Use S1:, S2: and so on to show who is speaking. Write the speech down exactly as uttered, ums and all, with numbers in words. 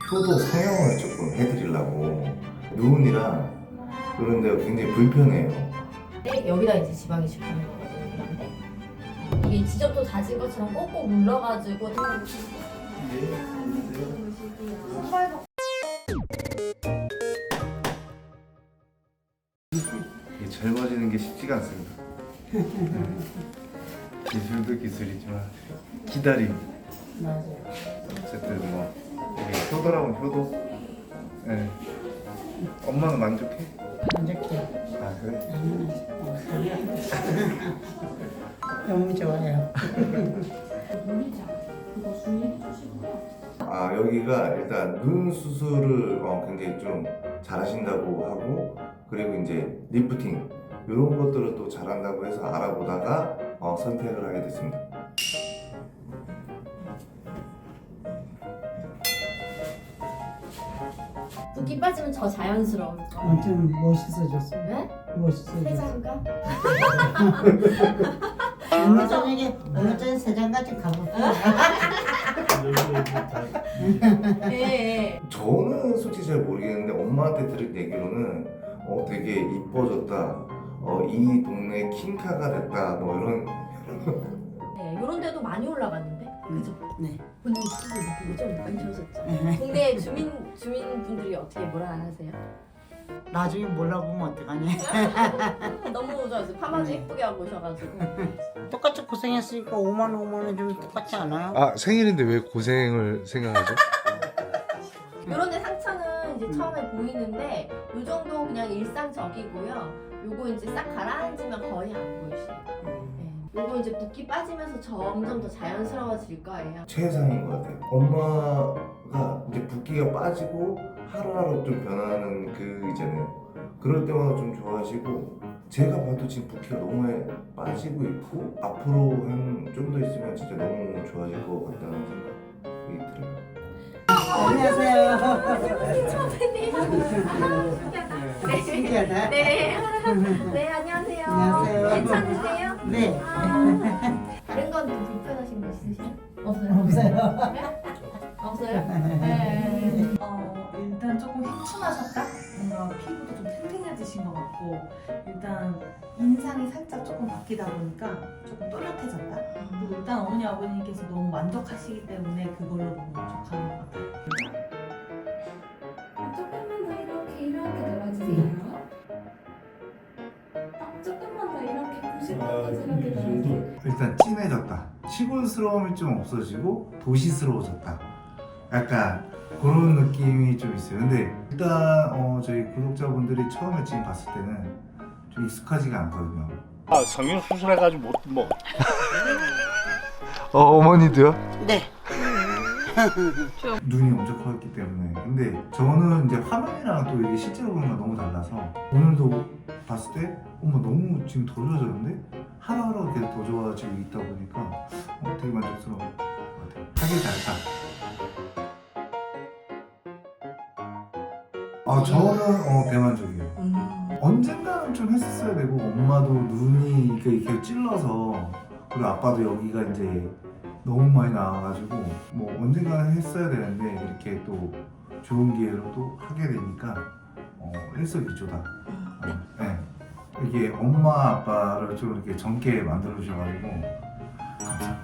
S1: 효도 성형을 조금 해드리려고. 누운이랑 그런 데가 굉장히 불편해요.
S2: 네, 여기다 이제 지방이 집하는 거거든요. 그런데 이게 지점도 다진 것처럼 꼭꼭 눌러가지고
S1: 이게 젊어지는 게 쉽지가 않습니다. 기술도 기술이지만 기다림.
S3: 맞아요.
S1: 어쨌든 뭐 이게 효도라면 효도. 네. 엄마는 만족해?
S3: 만족해.
S1: 아 그래?
S3: 너무 좋아요.
S1: 아 여기가 일단 눈 수술을 어, 굉장히 좀 잘하신다고 하고, 그리고 이제 리프팅 이런 것들을 또 잘한다고 해서 알아보다가 어, 선택을 하게 됐습니다.
S2: 붓기 빠지면 더 자연스러울 거.
S3: 엄청 멋있어졌어.
S2: 네?
S3: 멋있어졌어.
S2: 세장가?
S3: 오늘 저녁에 오늘 저녁에 세장까지 가볼까?
S2: 네.
S1: 저는 솔직히 잘 모르겠는데 엄마한테 들은 얘기로는 어, 되게 이뻐졌다, 어, 이 동네 킹카가 됐다, 뭐 이런.
S2: 네, 이런 데도 많이 올라갔는데, 그죠?
S3: 네.
S2: 본인 스스로 느끼고 좀 많이 좋아졌죠.
S3: 네.
S2: 동네 주민 주민분들이 어떻게 뭐라 하세요?
S3: 나중에 몰라보면 어떡하냐.
S2: 너무 좋아서 파마도
S3: 네.
S2: 예쁘게 하고 오셔가지고.
S3: 똑같이 고생했으니까 오만 원, 오만 원 좀 똑같지 않아요?
S4: 아 생일인데 왜 고생을 생각하죠?
S2: 이런 데 상처는 이제 처음에 보이는데 이 정도 그냥 일상적이고요. 요거 이제 싹 가라앉으면 거의 안 보이시니까. 네. 요거 이제 붓기 빠지면서 점점 더 자연스러워질 거예요.
S1: 최상인 것 같아요. 엄마가 이제 붓기가 빠지고 하루하루 좀 변하는 그 이제는 그럴 때마다 좀 좋아하시고, 제가 봐도 지금 붓기가 너무 많이 빠지고 있고 앞으로 한 좀 더 있으면 진짜 너무 좋아질 것 같다는 생각이 들어요.
S3: 안녕하세요.
S2: 처음 뵙네요.
S3: 신기하다.
S2: 네. 네, 안녕하세요.
S3: 안녕하세요.
S2: 괜찮으세요?
S3: 네.
S2: 다른 건 좀 불편하신 거 있으세요? 없어요?
S3: 없어요.
S2: 네? 없어요? 네.
S5: 어, 일단 조금 휘춘하셨다? 뭔가 피부도 좀 탱탱해지신 것 같고, 일단 인상이 살짝 조금 바뀌다 보니까 조금 또렷해졌다. 그리고 일단 어머니 아버님께서 너무 만족하시기 때문에 그걸로 너무 만족하는 것 같아요.
S6: 조금만 더 이렇게 이렇게 놀아주세요. 아, 조금만 더 이렇게 구십 도 이렇게 놀아주세요.
S1: 일단 진해졌다. 시골스러움이 좀 없어지고 도시스러워졌다. 약간 그런 느낌이 좀 있어요. 근데 일단 어, 저희 구독자분들이 처음에 지금 봤을 때는 좀 익숙하지가 않거든요.
S7: 아, 성형 수술해가지고 못 뭐.
S4: 어 어머니도요?
S3: 네.
S1: 눈이 엄청 커졌기 때문에. 근데 저는 이제 화면이랑 또 이게 실제로 보는 건 너무 달라서 오늘도 봤을 때 어머 너무 지금 더 좋아졌는데 하루하루 계속 더 좋아지고 있다 보니까 어, 되게 만족스러운 것 같아요. 하길 잘했다. 아 저는 어, 대만족이에요.
S2: 음.
S1: 언젠가는 좀 했었어야 되고, 엄마도 눈이 이렇게 이렇게 찔러서, 그리고 아빠도 여기가 이제 너무 많이 나와가지고 뭐 언젠가는 했어야 되는데 이렇게 또 좋은 기회로 또 하게 되니까 어, 일석이조다. 어, 네. 이게 엄마 아빠를 좀 이렇게 젊게 만들어 주셔가지고 감사합니다.